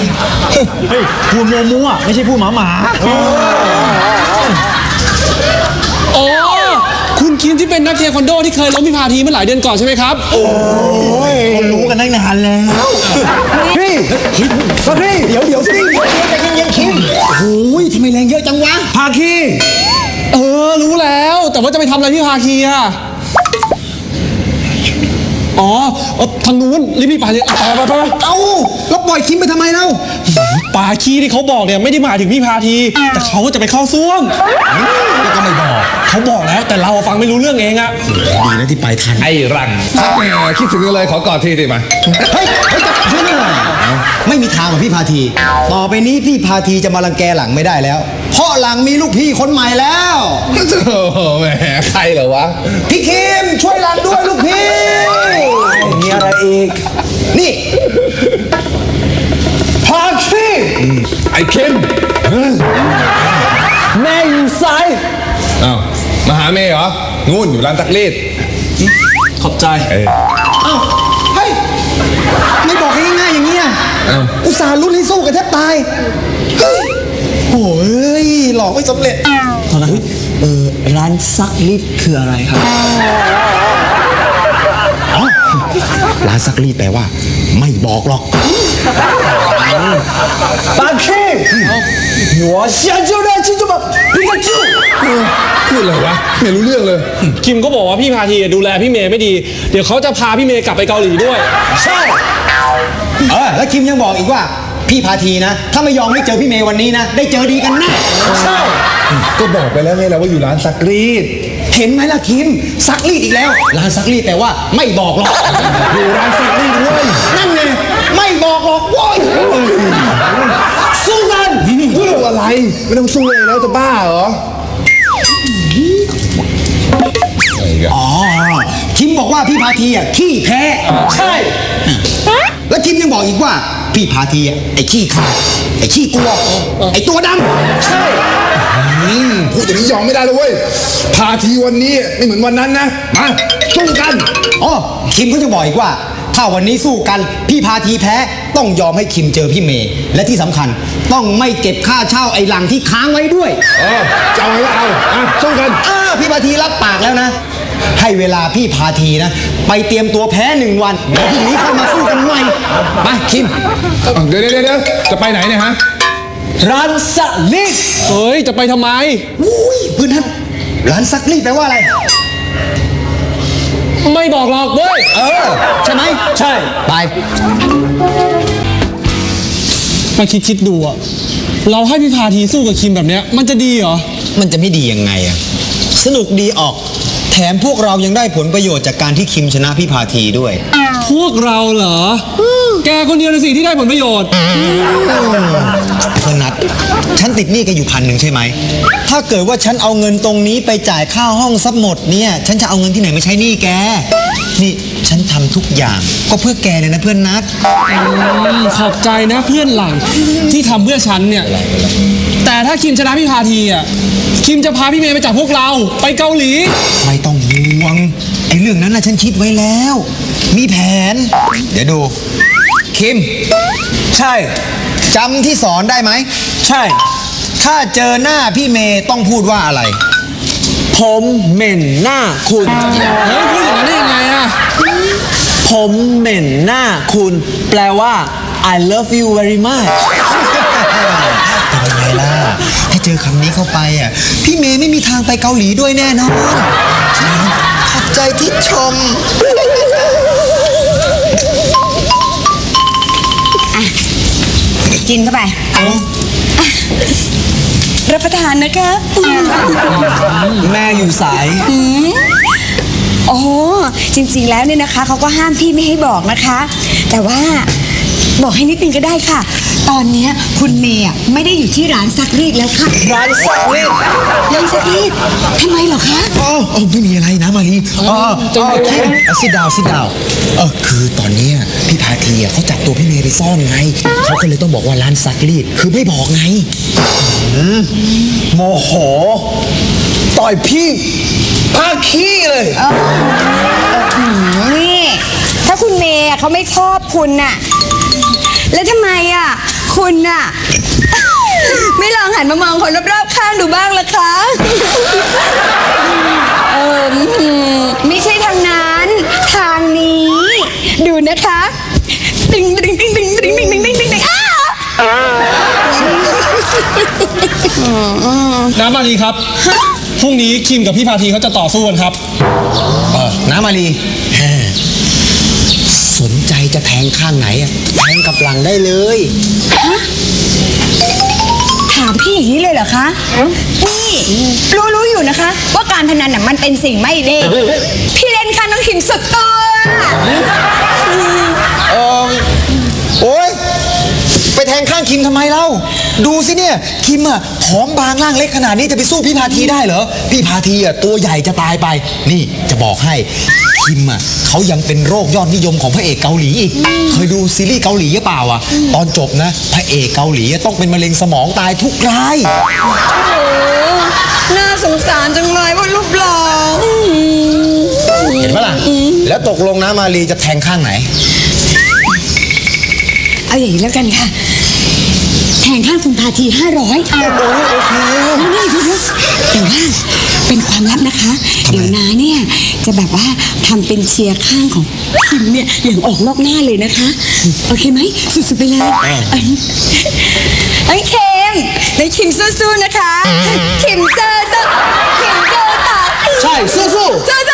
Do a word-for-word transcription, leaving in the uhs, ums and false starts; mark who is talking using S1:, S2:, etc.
S1: เฮ้ยพูดมัวๆไม่ใช่พูดหมาหมา
S2: อ๋อคุณคิมที่เป็นนักเทควันโดที่เคยล้มพี่พาทีเมื่อหลายเดือนก่อนใช่ไหมครับ
S1: โอ้ยคนรู้กันตั้งนานแล้วพี่พี่เดี๋ยวเดี๋ยวสิใจเย็นๆคิมโอ้ยทำไมแรงเยอะจังวะพาคี
S2: เออรู้แล้วแต่ว่าจะไปทำอะไรพี่พาคีอะอ๋อทางนู้นรีบๆไปเลยไปไปไป
S1: เอ้าแล้วปล่อยคิมไปทำไมเล่า
S2: ปาคีที่เขาบอกเนี่ยไม่ได้หมายถึงพี่พาทีแต่เขาจะไปเข้าซ่วม
S1: แล้วก็ไม่บอก
S2: เขาบอกแล้วแต่เราฟังไม่รู้เรื่องเองอะ
S1: ดีนะที่ไปทัน
S3: ไอ้รังคิดถึงเลยขอกอดทีได้ไหม
S1: เฮ้ยเฮ้ยจะเฮ้ยไม่มีทางหรอกพี่พาทีต่อไปนี้พี่พาทีจะมารังแกหลังไม่ได้แล้วเพราะหลังมีลูกพี่คนใหม่แล้ว
S3: โอ้แหมใครเหรอวะ
S1: พี่คิมช่วยหลังด้วยลูกพี่มีอะไรอีกนี่พาคี
S3: ไอ้คิม
S1: แม่อยู่ซ้าย
S3: อ้าวมาหาเมย์เหรองูนอยู่ร้านตักรีด
S2: ขอบใจ
S1: อ้าวเฮ้ยไม่บอกให้ง่ายๆอย่างนี้อ่ะอุตส่าห์ลุ้นให้สู้กันแทบตายเฮ้ยโอ้ยหลอกไม่สำเร็จตอนนั้นเออร้านซักรีดคืออะไรครับอ๋อร้านซักรีดแปลว่าไม่บอกหรอกปาคีหัวเสียจูได้ชิจูแบบพิกาจู
S3: พูดอะไรวะไม่รู้เรื่องเลย
S2: คิมก็บอกว่าพี่พาทีดูแลพี่เมย์ไม่ดีเดี๋ยวเขาจะพาพี่เมย์กลับไปเกาหลีด้วย
S1: ใช่เออแล้วคิมยังบอกอีกว่าพี่พาทีนะถ้าไม่ยอมให้เจอพี่เมย์วันนี้นะได้เจอดีกันแน่ใช่
S3: ก็บอกไปแล้วไงเราว่าอยู่ร้านซักรีด
S1: เห็นไหมล่ะคิมซักรีดอีกแล้วร้านซักรีดแต่ว่าไม่บอกหรอก
S3: อยู่ร้านซักรีดด้วย
S1: นั่นไงไม่บอกหรอกว้ยสู้กัน
S3: สู้อะไรไม่ต้องสู้เลยแล้วจะบ้าเหรอ
S1: อ๋อคิมบอกว่าพี่พาทีอ่ะขี้แพ้ใช่แล้วคิมยังบอกอีกว่าพี่พาทีอ่ะไอ้ขี้ขาดไอ้ขี้กลัวไอ้ตัวดำใช่
S3: พูดอย่างนี้ยอมไม่ได้เลยเว้ยพาทีวันนี้ไม่เหมือนวันนั้นนะมาสู้กัน
S1: อ๋อคิมก็จะบอกอีกว่าถ้าวันนี้สู้กันพี่พาทีแพ้ต้องยอมให้คิมเจอพี่เมย์และที่สำคัญต้องไม่เก็บค่าเช่าไอ้หลังที่ค้างไว้ด้วย
S3: เออจะเอาไงก็เอาอ่ะสู้กัน
S1: เออพี่พาทีรับปากแล้วนะให้เวลาพี่พาทีนะไปเตรียมตัวแพ้หนึ่งวันเดี๋ยวพรุ่งนี้ค่อยมาสู้กันใหม่ไปคิม
S3: เดี๋ยวเดี๋ยวเดี๋ยวจะไปไหนเนี่ยฮะ
S1: ร้านซักรีด
S2: เฮ้ยจะไปทำไม
S1: อุ้ยเพื่อนท่านร้านซักรีดแปลว่าอะไร
S2: ไม่บอกหรอกเว้ย
S1: เออใช่ไหมใช่ไป
S2: มาคิดคิดดูอะเราให้พี่พาทีสู้กับคิมแบบเนี้ยมันจะดีเหรอ
S1: มันจะไม่ดียังไงอะสนุกดีออกแถมพวกเรายังได้ผลประโยชน์จากการที่คิมชนะพี่พาทีด้วย
S2: พวกเราเหรอแกคนเดียวนะสิที่ได้ผลประโยชน์
S1: เพื่อนนัดฉันติดหนี้แกอยู่พันหนึ่งใช่ไหมถ้าเกิดว่าฉันเอาเงินตรงนี้ไปจ่ายค่าห้องซับหมดเนี่ยฉันจะเอาเงินที่ไหนมาใช้หนี้แกนี่ฉันทำทุกอย่างก็เพื่อแกเลยนะเพื่อนนัด
S2: ขอบใจนะเพื่อนหลังที่ทำเพื่อฉันเนี่ยแต่ถ้าคิมชนะพี่พาทีอ่ะคิมจะพาพี่เมย์ไปจากพวกเราไปเกาหลี
S1: ไม่ต้องห่วงไอ้เรื่องนั้นนะฉันคิดไว้แล้วมีแผนเดี๋ยวดูคิมใช่จำที่สอนได้ไหมใช่ถ้าเจอหน้าพี่เมย์ต้องพูดว่าอะไรผมเหม็นหน้าคุณ
S2: เฮ้ยพูดอย่างนั้นได้ยังไงอะ
S1: ผมเหม็นหน้าคุณแปลว่า I love you very much เป็นยังไงล่ะถ้าเจอคำนี้เข้าไปอ่ะพี่เมย์ไม่มีทางไปเกาหลีด้วยแน่นอนขอบใจที่ชม
S4: กินเข้าไปรับประทานนะคะ
S1: แม่อยู่สาย
S4: อ๋อจริงๆแล้วเนี่ยนะคะเขาก็ห้ามพี่ไม่ให้บอกนะคะแต่ว่าบอกให้นิดนึงก็ได้ค่ะตอนนี้คุณเมย์ไม่ได้อยู่ที่ร้านซักรีดแล้วค่ะ
S1: ร้านซักรีด
S4: ร้านซักรีดทำไมเหรอคะ
S1: อ๋อไม่มีอะไรนะมารีอ๋ออ๋อคิมซิดาวซิดาวเออคือตอนนี้พี่พาทีเขาจับตัวพี่เมย์ไปซ่อนไงเขาก็เลยต้องบอกว่าร้านซักรีดคือไม่บอกไงโมโหต่อยพี่พาขี้เลย
S4: นี่ถ้าคุณเมย์เขาไม่ชอบคุณน่ะแล้วทำไมอ่ะคุหันมามองคนรอบๆข้างดูบ้างล่ะคะ เออไม่ใช่ทางนั้นทางนี้ดูนะคะตึงตึงตึงตึงตึงตึงตึงตึงตึงตึงอ้า
S2: น้ำมาลีครับพรุ่งนี้คิมกับพี่พาทีเขาจะต่อสู้กันครับ
S1: เออน้ำมาลีสนใจจะแทงข้างไหนอะแทงกับหลังได้เลย
S4: ถามพี่อย่างนี้เลยเหรอคะนี่รู้รู้อยู่นะคะ ว่าการพนันน่ะมันเป็นสิ่งไม่ดีพี่เล่นค่ะน้องขิมสุดตัว
S1: เออโอ๊ยไปแทงข้างคิมทำไมเล่าดูสิเนี่ยคิมอะผอมบางร่างเล็กขนาดนี้จะไปสู้พี่พาทีได้เหรอพี่พาทีอะตัวใหญ่จะตายไปนี่จะบอกให้คิมอะเขายังเป็นโรคยอดนิยมของพระเอกเกาหลีอีกเคยดูซีรีส์เกาหลีหรือเปล่าอะตอนจบนะพระเอกเกาหลีต้องเป็นมะเร็งสมองตายทุกราย
S4: โอ้น่าสงสารจังเลยว่ารูปหล่อ
S1: เห็นปะล่ะแล้วตกลงนะมาลีจะแทงข้างไหน
S4: เอาอย่างนี้แล้วกันค่ะแทงข้างคุณพาทีห้าร้อยโอ้โหโอเคนี่ดูดูแต่ว่าเป็นความลับนะคะเดี๋ยวนาเนี่ยจะแบบว่าทำเป็นเชียร์ข้างของคิมเนี่ยอย่างออกนอกหน้าเลยนะคะโอเคไหมสุดๆไปเลยไอ้คิมไอ้คิมสู้ๆนะคะคิมเจอเจอคิมเจอต่อ
S1: ใช่สู้ๆ
S4: สู้